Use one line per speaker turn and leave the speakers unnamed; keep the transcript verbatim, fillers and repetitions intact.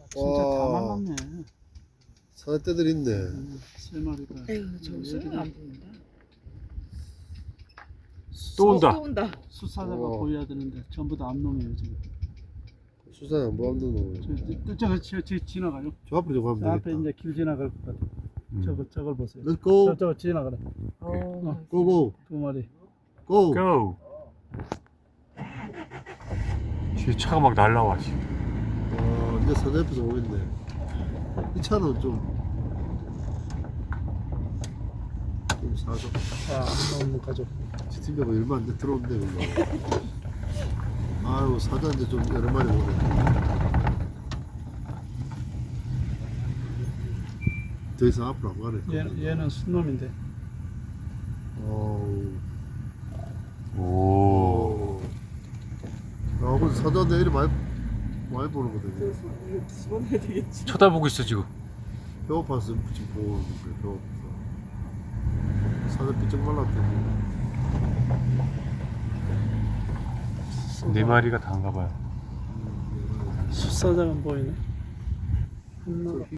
진짜 다
와.
말랐네.
사자떼들 있네.
음, 세 마리가.
에휴, 저 수는 안 보인다.
또 온다.
또 온다.
수사자가
우와.
보여야 되는데 전부 다 암놈이에요 지금.
수산 안 보았는 놈.
저, 저, 저, 저 지나가요.
저 앞으로 좀
저
가면
앞에
되겠다.
이제 길 지나갈 것 같아.
음.
저거 저걸 보세요.
Let's go.
저, 저 지나가네.
어,
고고.
두 마리.
고.
고! 뒤에 차가 막 날라와 지금.
어, 이제 사자 옆에서 오겠네. 이 차는 좀, 좀 사서.
아, 암놈 가족.
지팀장가 얼마 안 돼 들어온대, 그거. 아유, 사자 이제 좀 여러 마리 오네. 더 이상 앞으로 안 가네.
얘, 얘는 순놈인데.
어우.
오.
오. 야, 근데 사자 내일이 많이, 많이 보는 거거든요.
이거 집어넣어야 되겠지.
쳐다보고 있어 지금.
배고파서 지금 보고 있는데, 배고파서. 사자 삐쩍 말랐대.
네 마리가 다인가 봐요.
수사자가 보이네. 한 마리.